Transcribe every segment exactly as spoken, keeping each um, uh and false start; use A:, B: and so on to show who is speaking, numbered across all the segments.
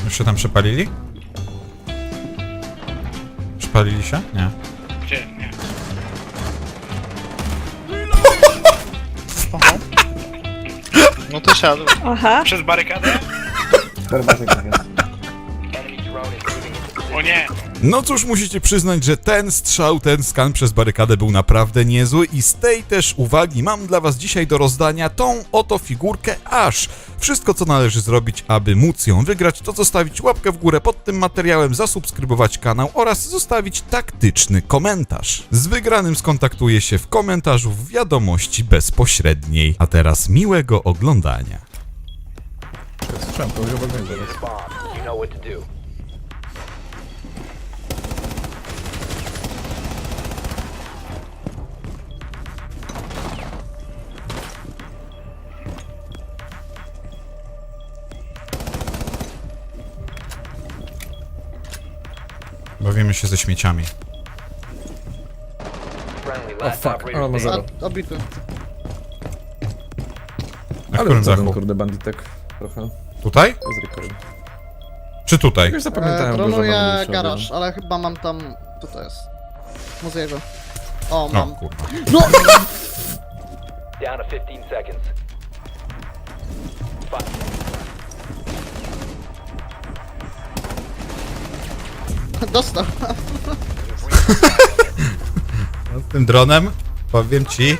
A: Już się tam przepalili? Przepalili się? Nie.
B: Gdzie? Nie.
C: No to siadł.
D: Aha.
B: Przez barykadę? O nie!
A: No cóż, musicie przyznać, że ten strzał, ten skan przez barykadę był naprawdę niezły i z tej też uwagi mam dla was dzisiaj do rozdania tą oto figurkę Ash. Wszystko, co należy zrobić, aby móc ją wygrać, to zostawić łapkę w górę pod tym materiałem, zasubskrybować kanał oraz zostawić taktyczny komentarz. Z wygranym skontaktuję się w komentarzu w wiadomości bezpośredniej. A teraz miłego oglądania.
E: Słyszałem, to chyba będzie zaraz.
F: You know what to do.
A: Bawimy się ze śmieciami.
F: Friendly
E: O
F: last
E: fuck,
F: operator
E: o ma
F: standing.
E: zero.
G: Obity.
A: Na
E: Ale
A: którym
E: co ten
A: dachu?
E: kurde banditek trochę
A: Tutaj?
E: z recoil.
A: Czy tutaj?
E: Już zapamiętałem
G: E,
E: go, że
G: dronuję
E: mam mniejszy
G: garaż,
E: obraz.
G: ale chyba mam tam... Co to jest? Muzeego. O,
A: O
G: mam.
A: kurwa.
G: No!
F: Down to fifteen seconds.
G: Dostał.
A: No, z tym dronem powiem ci.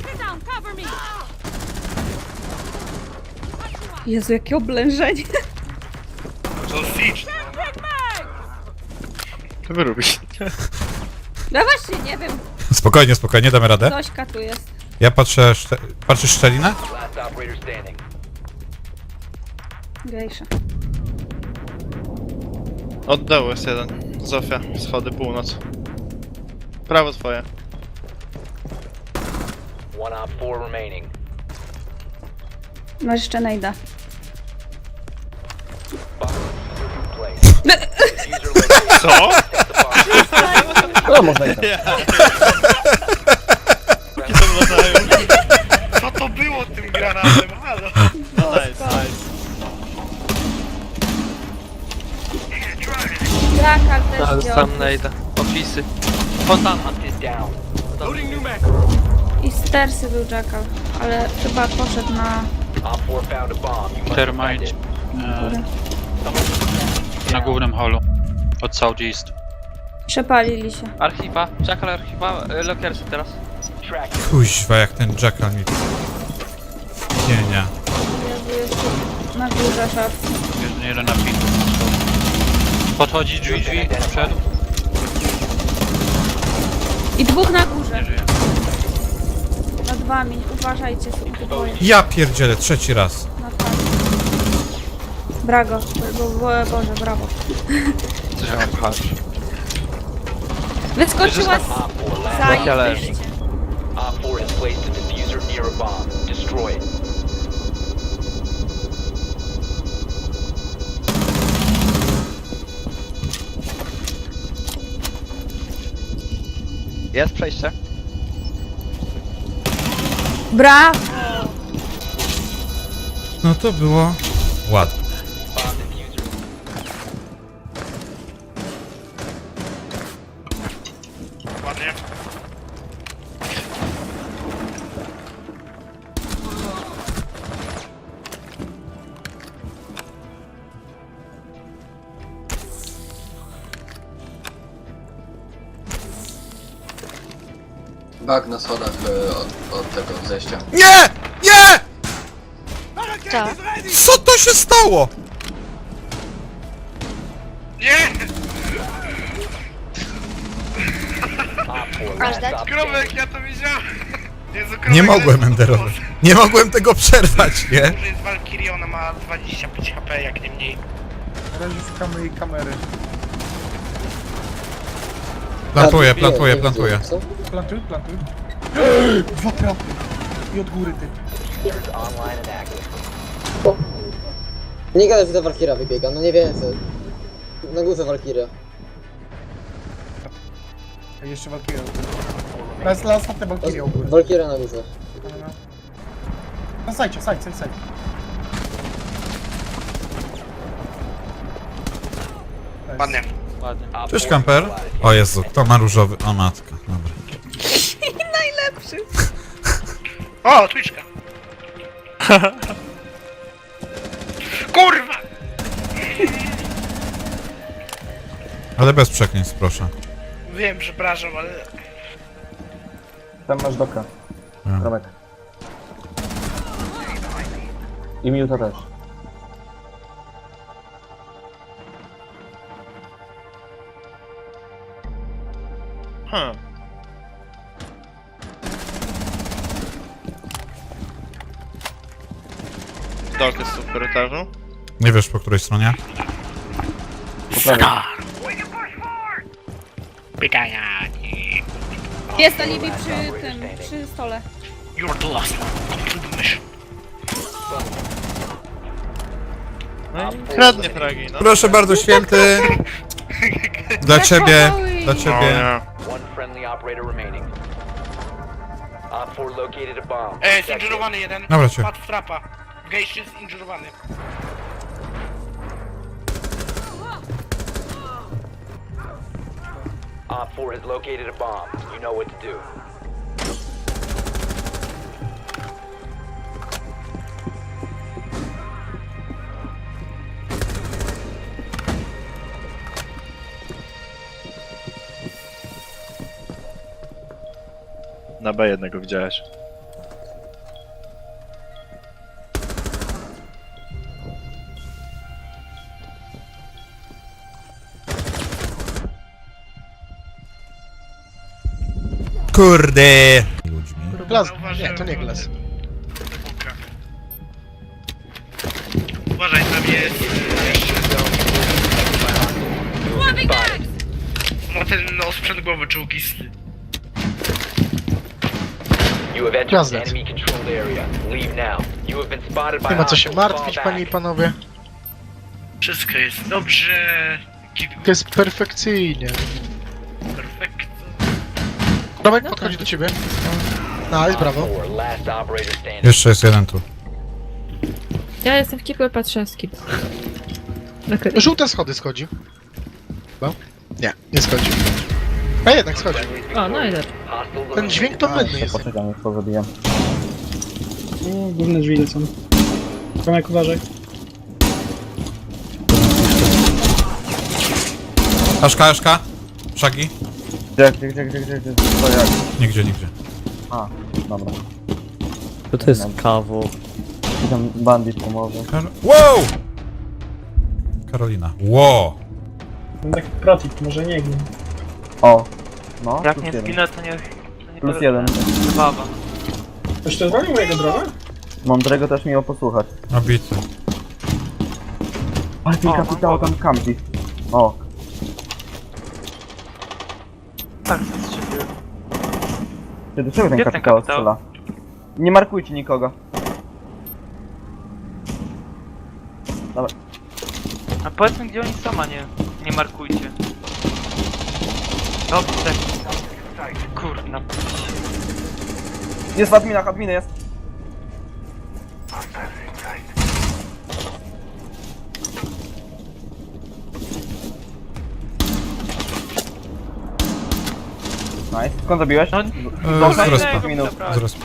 D: Jezu, jakie oblężenie.
B: To Siege.
C: To wy robisz.
D: No właśnie, nie wiem.
A: Spokojnie, spokojnie, damy radę.
D: Zośka tu jest.
A: Ja patrzę. Szcze... Patrzysz szczelinę?
F: Last operator standing.
D: Gejsza.
C: Od dołu jest jeden. Zofia, schody, północ. Prawo twoje.
F: One op four remaining.
D: Masz jeszcze najda.
F: Bomb in place. User located.
C: Co?
F: Protect the bomb.
G: No, można i tak.
B: Co to było tym granatem? Halo?
C: Nice, nice.
D: Drakal też wziął.
H: Dostałem najda. Opisy. Fontana.
F: Hunt is down.
D: I stersy był Jackal, ale chyba poszedł na
F: Op four found a bomb. You must
H: Termite.
F: defend it.
D: górę.
H: Na głównym holu. Od Southeast.
D: Przepalili się.
H: Archiwa. Jackal archiwa. y, Lokersy teraz.
F: Track it.
A: Kuźwa, jak ten Jackal mi... Nie, nie.
D: Jezu, jeszcze na górze szaf.
H: Jeden, jeden na pin. Podchodzi drzwi, drzwi. Wszedł.
D: I dwóch na
H: Nie
D: górze.
H: żyje.
D: Nad wami. Uważajcie, są tu dwoje.
A: Ja pierdzielę, trzeci raz.
D: Nad wami. Brago. Bo, bo, Boże, brawo.
H: Coś mam pchać.
D: Wyskoczyła z...
F: Op four last.
D: Zajebiście.
F: Op four has placed a diffuser near a bomb. Destroy it.
H: Jest przejście.
D: Brawo!
A: No to było ładne.
F: Bomb diffuser.
B: Ładnie.
I: Bug na schodach y, od, od tego zejścia.
A: Nie! Nie! Co to się stało?
B: Nie!
F: Op four last stop
B: Krowek,
F: standing.
B: ja to widziałem! Jezu, krowek,
A: Nie mogłem
B: to jest
A: enderować. Nie mogłem tego przerwać, nie?
B: To jest Valkyrie, ona ma dwadzieścia pięć H P, jak nie mniej.
G: Na razie szukamy jej kamery.
A: Plantuję, plantuję, plantuję.
G: Plantuj, plantuj. Dwa trapy. I od góry ty.
F: Diffuser's online and active.
J: Nie gadaj, że ta Valkyria wybiega, no nie więcej. Na górze Valkyria.
G: A jeszcze Valkyria. Raz, raz, ostatnia Valkyria u góry.
J: Valkyria na górze.
G: No sajdźcie, sajdź, sajdź, sajdź.
B: Ładnie.
H: Ładnie.
A: Cześć, kamper. O Jezu, kto ma różowy? O matka, dobra.
D: Najlepszy.
B: O, Twitchka. Kurwa!
A: Ale bez przekleństw, proszę.
B: Wiem, przepraszam, ale...
G: Tam masz doka.
A: Ja.
G: Romek. I minuta też.
C: Hmm. Dog jest tu w korytarzu.
A: Nie wiesz, po której stronie?
B: Pytania.
D: Jest alibi przy tym, przy stole.
B: You're the last one. Come to the mission.
C: No i kradnie fragi, no.
A: Proszę bardzo, święty. Dla ciebie, dla
C: O
A: ciebie.
C: nie.
F: One friendly operator remaining. Op four located a bomb.
B: E, jest injurowany jeden.
A: Dobra, cię.
B: Padł w trapa. Gejście jest injurowany.
F: Op four has located a bomb. You know what to do.
C: Na B jednego widziałeś.
A: Kurde. Ludźmi.
B: Glas. Nie, to nie glas. Uważaj, tam jest... No ten no, sprzęt głowy czołgisty.
F: You have entered an enemy controlled area. Leave now. You have been spotted by
K: Nie ma co się
F: hostiles.
K: martwić,
F: Fall
K: panie i
F: back.
K: panowie.
B: Wszystko jest dobrze.
K: To jest perfekcyjnie.
B: Perfekt.
K: Romek podchodzi do ciebie. Nice, brawo.
F: Four, last operator standing.
A: Jeszcze jest jeden tu.
D: Ja jestem w kiblu, patrzę z kiblu.
K: Żółte schody schodzi. Chyba? Nie, nie schodzi. A jednak schodzi.
D: O, no i dobrze.
F: Hostiles
K: Ten dźwięk to mydny jest.
G: Poczekam, już to zabijam.
K: O, główne drzwi lecą. Tomek, uważaj.
A: Aszka, Aszka. Szagi?
G: Gdzie, gdzie, gdzie, gdzie, gdzie, gdzie? To jak?
A: Nigdzie, nigdzie.
G: A, dobra.
E: To to jest kawo.
G: I tam bandit pomoże.
A: Kar wow! Karolina. Wow!
K: Taki protip, może nie gnie.
G: O, no,
H: Jak
G: plus
H: nie
G: jeden.
H: zginę, to nie... To nie
G: Plus
H: to-
G: jeden.
H: Zabawa.
K: Ktoś to zwalił mojego drona?
G: Mądrego też miło posłuchać.
A: Obity.
G: Ale ten
H: O, mam
G: kapitał
H: głowę.
G: tam kampi. O,
H: Tak, strzeliłem.
G: ty do czego ten
H: Gdzie ten
G: kapitał
H: kapitał?
G: strzela? Nie markujcie nikogo.
H: A powiedzmy, gdzie oni są, a nie, nie markujcie. Dobrze, tak. Kurna.
G: Jest w adminach, adminy jest. Nice. Skąd zabiłeś?
H: No,
A: E,
G: Dobra,
A: z
H: fajnego
A: respa.
H: mi
G: minut.
H: zabrali.
A: Z respa.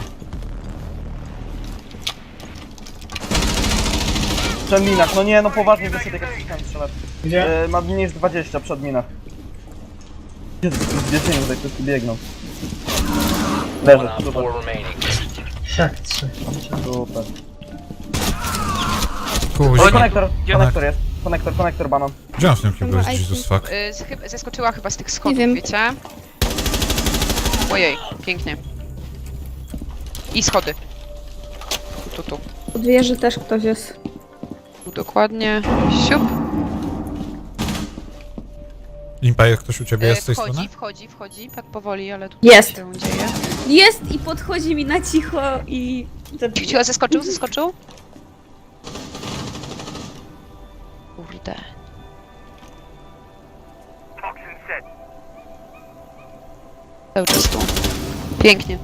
G: Przed minach, no nie, no poważnie wyszedł jak chciałem strzelać.
K: Gdzie?
G: E, ma mniej niż dwadzieścia przed minach. Gdzie dziesięć tutaj wszyscy biegną. Leży,
F: One op
G: super,
F: four remaining.
K: Jak trzy?
G: super.
A: Kuźwa.
G: Konektor,
H: Gdzie-
G: konektor jest. Konektor, konektor, banan.
A: Gdzie on w tym kiblu jest? Jesus fuck.
L: Y, z- chyba- Zeskoczyła chyba z tych schodów,
D: wiem.
L: wiecie? Ojej, pięknie. I schody. Tu, tu.
D: Od wieży też ktoś jest.
L: Tu dokładnie. Siup.
A: Impa, jak ktoś u ciebie
L: Y,
A: jest z tej
L: wchodzi,
A: strony?
L: wchodzi, wchodzi, tak powoli, ale tu
D: Jest.
L: się dzieje.
D: Jest i podchodzi mi na cicho i...
L: Cicho, zeskoczył, zeskoczył? Kurde. Cały czas tu. Pięknie.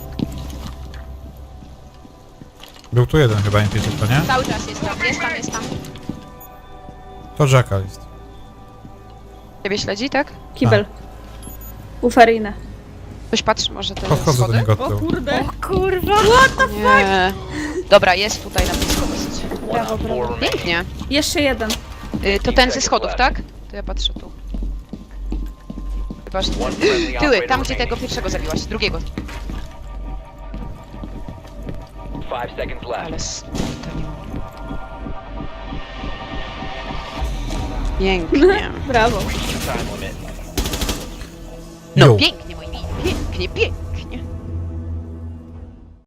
A: Był tu jeden chyba Impa tylko, nie?
L: Cały czas jest tam, jest tam, jest tam.
A: To Jackal jest.
L: Ciebie śledzi, tak?
D: Kibel. Ufarinę.
L: Ktoś patrzy może te
A: Podchodzę do
L: schody?
A: niego
D: O
A: od tyłu.
D: kurde. O kurwa.
L: Nie. Dobra, jest tutaj na blisko dosyć.
D: Brawo, brawo.
L: Pięknie.
D: Jeszcze jeden.
L: Y, to ten ze schodów, tak? To ja patrzę tu. Chyba, że... Tyły, tam gdzie tego pierwszego zabiłaś, drugiego.
F: Five seconds left.
L: Ale... s- to nie mogę. Pięknie.
D: Brawo.
F: Time limit.
L: No
A: Jo.
L: pięknie, moi mili, pięknie, pięknie.